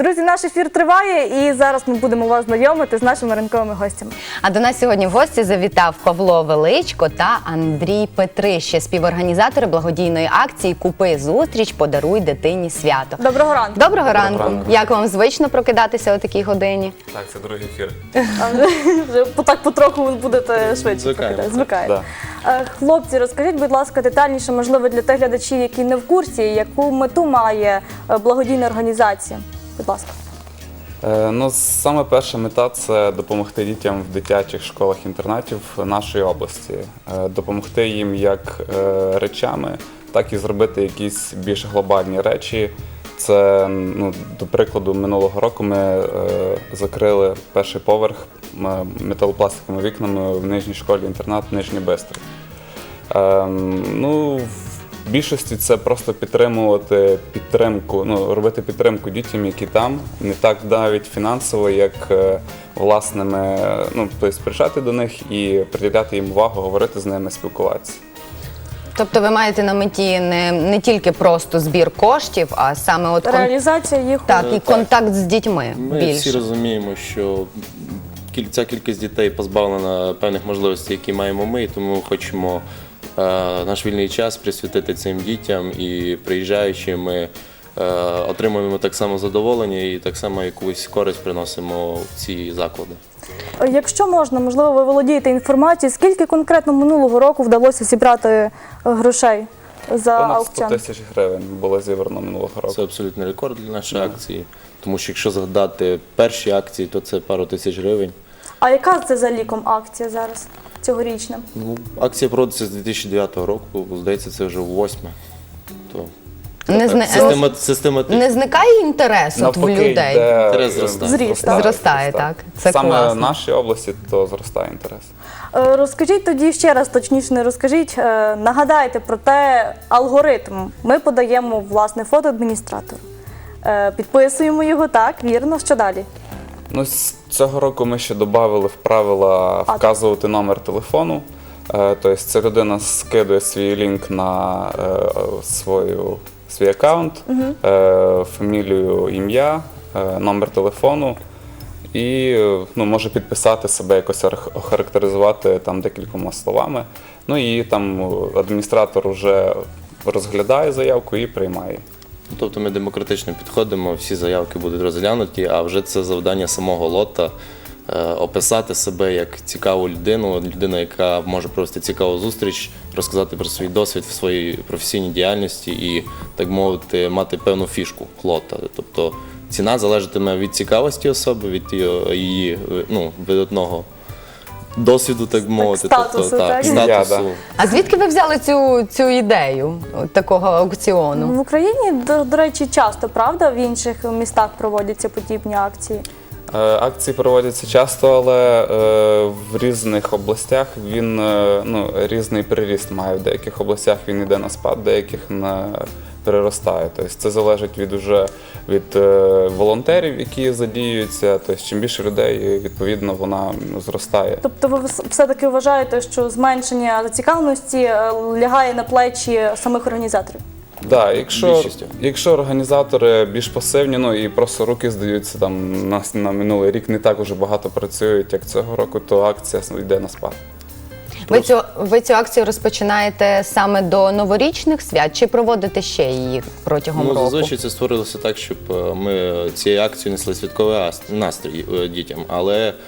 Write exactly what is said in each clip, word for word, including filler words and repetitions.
Друзі, наш ефір триває і зараз ми будемо вас знайомити з нашими ранковими гостями. А до нас сьогодні в гості завітав Павло Величко та Андрій Петрище, співорганізатори благодійної акції «Купи зустріч, подаруй дитині свято». Доброго ранку. Доброго ранку. ранку. Як вам звично прокидатися о такій годині? Так, це другий ефір. А вже- вже так потроху ви будете швидше Звикаємо. прокидати. Звикаєте. Да. Е, Хлопці, розкажіть, будь ласка, детальніше, можливо, для тих глядачів, які не в курсі, яку мету має е, благодійна організація. Будь ласка. Е, ну, саме перша мета – це допомогти дітям в дитячих школах-інтернатів нашої області. Е, допомогти їм як е, речами, так і зробити якісь більш глобальні речі. Це, ну, до прикладу, минулого року ми е, закрили перший поверх м- металопластиковими вікнами в нижній школі-інтернат Нижній Бистрий. Е, ну, в більшості це просто підтримувати підтримку, ну, робити підтримку дітям, які там, не так навіть фінансово, як е, власними, ну, тобто приїжджати до них і приділяти їм увагу, говорити з ними, спілкуватися. Тобто ви маєте на меті не, не тільки просто збір коштів, а саме от кон... Реалізація їх у- так, і контакт з дітьми Ми більше. всі розуміємо, що кіль- ця кількість дітей позбавлена певних можливостей, які маємо ми, і тому хочемо е, наш вільний час присвятити цим дітям, і приїжджаючи, ми е, отримуємо так само задоволення і так само якусь користь приносимо в ці заклади. Якщо можна, можливо, ви володієте інформацією, скільки конкретно минулого року вдалося зібрати е, грошей за Понад сто аукціон? тисяч гривень було зібрано минулого року. Це абсолютний рекорд для нашої акції, тому що якщо згадати перші акції, то це пару тисяч гривень. А яка це за ліком акція зараз, цьогорічна? Ну, акція проводиться з дві тисячі дев'ятого року, здається, це вже восьме. То Не, зни... система, систематично. не зникає інтерес от в Навпаки, людей? йде, Інтерес зростає. Зріст, так? Зростає, так. Це Саме класно. в нашій області то зростає інтерес. Е, Розкажіть тоді ще раз, точніше не розкажіть, е, нагадайте про те алгоритм. Ми подаємо, власне, фото адміністратору. Е, Підписуємо його, так, вірно. Що далі? Ну, з цього року ми ще додали в правила вказувати номер телефону. Е, Тобто ця людина скидує свій лінк на е, свою, свій аккаунт, е, фамілію, ім'я, е, номер телефону і е, ну, може підписати себе, якось охар- охарактеризувати там декількома словами. Ну і там адміністратор вже розглядає заявку і приймає. Тобто ми демократично підходимо, всі заявки будуть розглянуті, а вже це завдання самого лота е, описати себе як цікаву людину, людину, яка може провести цікаву зустріч, розказати про свій досвід в своїй професійній діяльності і, так мовити, мати певну фішку лота. Тобто ціна залежатиме від цікавості особи, від її, її ну, видатного досвіду, так мовити. статусу, тобто, так? статусу. Я, да. А звідки ви взяли цю, цю ідею от такого аукціону? В Україні, до, до речі, часто, правда, в інших містах проводяться подібні акції? Е, Акції проводяться часто, але е, в різних областях він е, ну, різний приріст має. В деяких областях він йде на спад, в деяких не переростає. Тобто це залежить від уже від е, волонтерів, які задіюються. Тобто чим більше людей, відповідно, вона ну, зростає. Тобто ви вс- все-таки вважаєте, що зменшення зацікавленості е, лягає на плечі самих організаторів? Да, якщо, Більшістю. якщо організатори більш пасивні, ну і просто руки здаються там на, на минулий рік, не так уже багато працюють, як цього року, то акція йде на спад. Ви цю, ви цю акцію розпочинаєте саме до новорічних свят чи проводите ще її протягом Ну, року? зазвичай це створилося так, щоб е, ми цією акцією несли святковий ас- настрій е, дітям. Але е,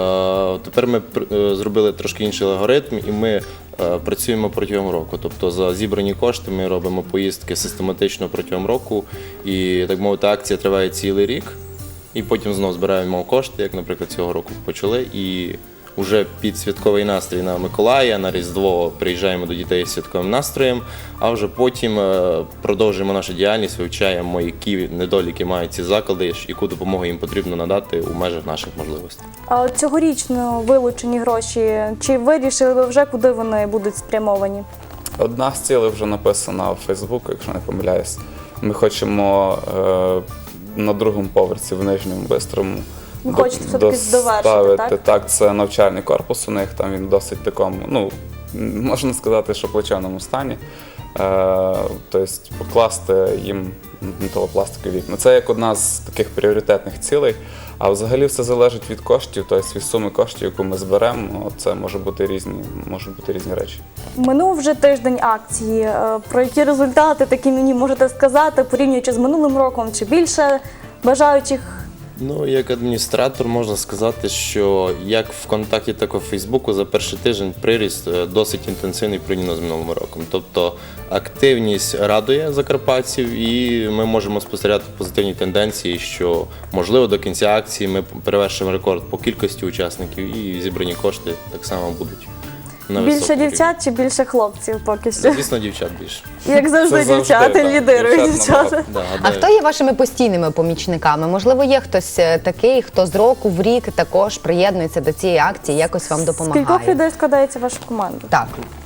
тепер ми пр- е, зробили трошки інший алгоритм, і ми е, працюємо протягом року. Тобто за зібрані кошти ми робимо поїздки систематично протягом року. І, так мовити, акція триває цілий рік. І потім знову збираємо кошти, як, наприклад, цього року почали. І уже під святковий настрій на Миколая, на Різдво приїжджаємо до дітей з святковим настроєм, а вже потім е, продовжуємо нашу діяльність, вивчаємо, які недоліки мають ці заклади, яку допомогу їм потрібно надати у межах наших можливостей. А от цьогорічно вилучені гроші, чи вирішили ви вже, куди вони будуть спрямовані? Одна з цілей вже написана в Фейсбуку, якщо не помиляюсь. Ми хочемо е, на другому поверсі в Нижньому Бистрому Ви хочете все-таки довершити, доставити. так? Так, це навчальний корпус у них, там він досить такому, ну, можна сказати, що в плачевному стані. Е, Тобто покласти їм металопластикові вікна. Це як одна з таких пріоритетних цілей. А взагалі все залежить від коштів, тобто від суми коштів, яку ми зберемо. Це може бути різні, можуть бути різні речі. Минув вже тиждень акції. Е, Про які результати такі мені можете сказати, порівнюючи з минулим роком, чи більше бажаючих? Ну, як адміністратор можна сказати, що як в ВКонтакті, так і в Фейсбуку за перший тиждень приріст е, досить інтенсивний порівняно з минулим роком. Тобто активність радує закарпатців, і ми можемо спостерігати позитивні тенденції, що можливо до кінця акції ми перевершимо рекорд по кількості учасників і зібрані кошти так само будуть на Більше високому рівні. дівчат чи більше хлопців поки що? Звісно, дівчат більше. Як завжди, Це завжди, дівчата так. лідирують. Дівчат Дівчата. набагато. Да, А де- хто є вашими постійними помічниками? Можливо, є хтось е, такий, хто з року в рік також приєднується до цієї акції, якось вам З кількох допомагає? людей складається ваша команда? Так.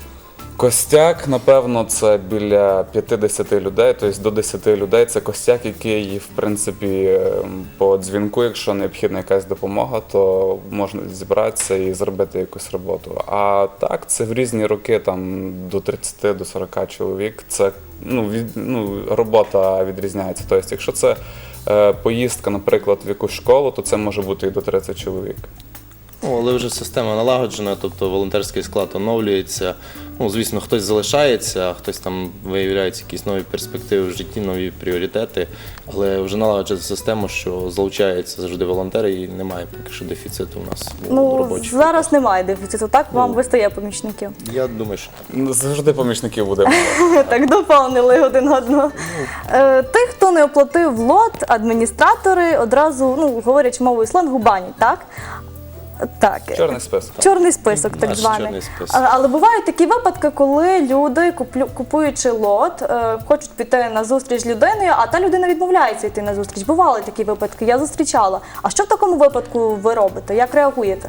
Костяк, напевно, це біля п'ятдесят людей, тобто до десяти людей. Це костяк, який, в принципі, по дзвінку, якщо необхідна якась допомога, то можна зібратися і зробити якусь роботу. А так, це в різні роки, там до тридцяти до сорока чоловік. Це ну, від, ну, робота відрізняється. Тобто, якщо це е, поїздка, наприклад, в якусь школу, то це може бути і до тридцяти чоловік. Ну, але вже система налагоджена, тобто волонтерський склад оновлюється. Ну, звісно, хтось залишається, а хтось там виявляється якісь нові перспективи в житті, нові пріоритети. Але вже налагоджена система, що залучаються завжди волонтери і немає поки що дефіциту у нас у Ну, робочих. зараз немає дефіциту, так? Вам Ну. вистає помічників. Я думаю, що так. Ну, завжди помічників буде. Так доповнили один одного. Е, Тих, хто не оплатив лот, адміністратори одразу, ну, говорять мовою сленгу, банять, так? Так. Чорний список. Чорний список, так Наш званий. чорний список. А- Але бувають такі випадки, коли люди, куплю- купуючи лот, е, хочуть піти на зустріч з людиною, а та людина відмовляється йти на зустріч. Бували такі випадки, я зустрічала. А що в такому випадку ви робите? Як реагуєте?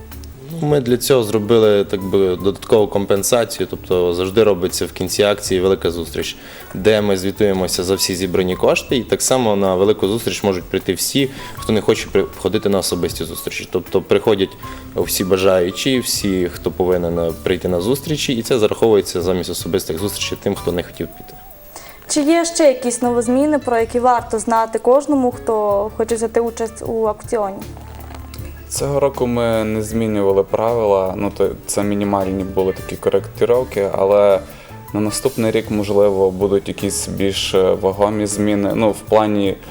Ми для цього зробили так би додаткову компенсацію, тобто завжди робиться в кінці акції велика зустріч, де ми звітуємося за всі зібрані кошти, і так само на велику зустріч можуть прийти всі, хто не хоче при- ходити на особисті зустрічі. Тобто приходять всі бажаючі, всі, хто повинен прийти на зустрічі, і це зараховується замість особистих зустрічей тим, хто не хотів піти. Чи є ще якісь новозміни, про які варто знати кожному, хто хоче взяти участь у аукціоні? Цього року ми не змінювали правила, ну то це мінімальні були такі коректировки, але на наступний рік, можливо, будуть якісь більш е, вагомі зміни. Ну, в плані е,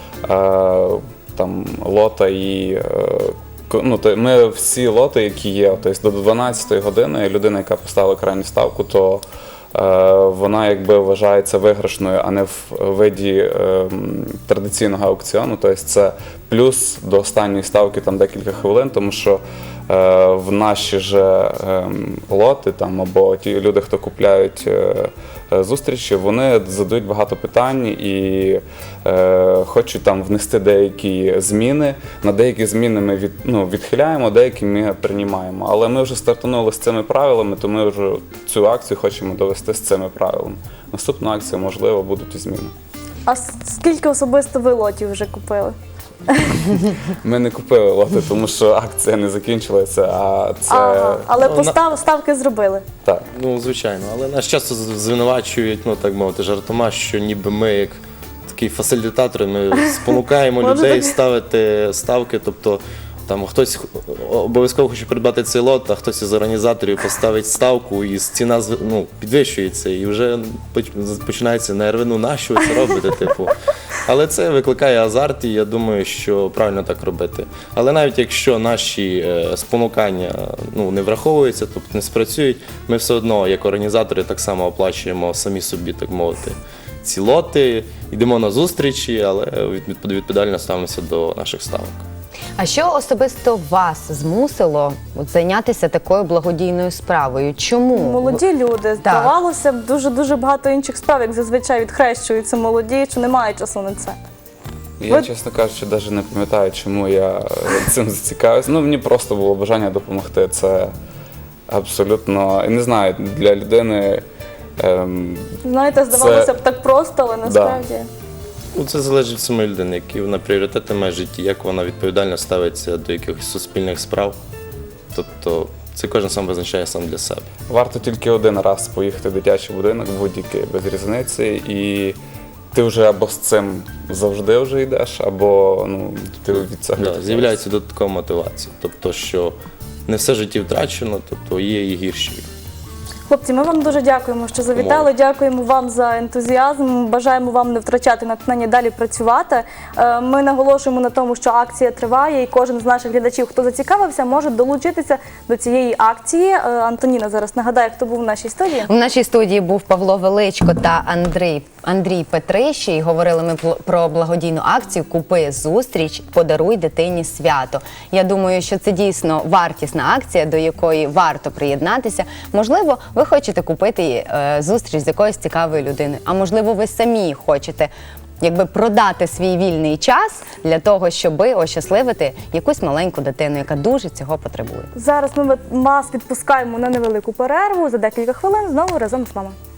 там лота і е, ко- ну, то ми всі лоти, які є, тобто до дванадцятої години людина, яка поставила крайню ставку, то е, вона якби вважається виграшною, а не в виді е, м, традиційного аукціону. Тобто це плюс до останньої ставки там декілька хвилин, тому що е, в наші же е, лоти там або ті люди, хто купляють е, е, зустрічі, вони задають багато питань і е, хочуть там внести деякі зміни. На деякі зміни ми від, ну, відхиляємо, деякі ми приймаємо. Але ми вже стартанули з цими правилами, то ми вже цю акцію хочемо довести з цими правилами. Наступну акцію, можливо, будуть і зміни. А с- скільки особисто ви лотів вже купили? Ми не купили лоти, тому що акція не закінчилася, а це Ага, але Ну, постав, ставки зробили. так. Ну, звичайно, але нас часто звинувачують, ну так мовити, жартома, що ніби ми як такі фасилітатори, ми спонукаємо Може, людей так? ставити ставки, тобто там хтось обов'язково хоче придбати цей лот, а хтось із організаторів поставить ставку, і ціна з- ну, підвищується, і вже поч- починається нерви, ну нащо ви це робите, типу. Але це викликає азарт, і я думаю, що правильно так робити. Але навіть якщо наші е, спонукання ну, не враховуються, тобто не спрацюють, ми все одно, як організатори, так само оплачуємо самі собі, так мовити, ці лоти, йдемо на зустрічі, але від- відповідально ставимося до наших ставок. А що особисто вас змусило от, зайнятися такою благодійною справою? Чому? Молоді люди, здавалося б, дуже-дуже багато інших справ, як зазвичай відхрещуються молоді, що немає часу на це. Я, Ви- чесно кажучи, навіть не пам'ятаю, чому я цим зацікавився. Ну, мені просто було бажання допомогти. Це абсолютно, я не знаю, для людини. Ем, Знаєте, здавалося б, так просто, але насправді. Ну, це залежить від самої людини, які вона пріоритети має в житті, як вона відповідально ставиться до якихось суспільних справ. Тобто це кожен сам визначає сам для себе. Варто тільки один раз поїхати в дитячий будинок, будь-який, без різниці, і ти вже або з цим завжди вже йдеш, або ну, ти від цього Да, відмовляєшся. з'являється додаткова мотивація. Тобто, що не все життя втрачено, тобто є і гірші. Хлопці, ми вам дуже дякуємо, що завітали. Дякуємо вам за ентузіазм. Бажаємо вам не втрачати натхнення далі працювати. Е, Ми наголошуємо на тому, що акція триває, і кожен з наших глядачів, хто зацікавився, може долучитися до цієї акції. Е, Антоніна зараз нагадає, хто був в нашій студії. У нашій студії був Павло Величко та Андрій, Андрій Петрищий. Говорили ми пл- про благодійну акцію «Купи зустріч, подаруй дитині свято». Я думаю, що це дійсно вартісна акція, до якої варто приєднатися. Можливо, ви хочете купити е, зустріч з якоюсь цікавою людиною, а можливо, ви самі хочете якби продати свій вільний час для того, щоб ощасливити якусь маленьку дитину, яка дуже цього потребує. Зараз ми вас відпускаємо на невелику перерву. За декілька хвилин знову разом з вами.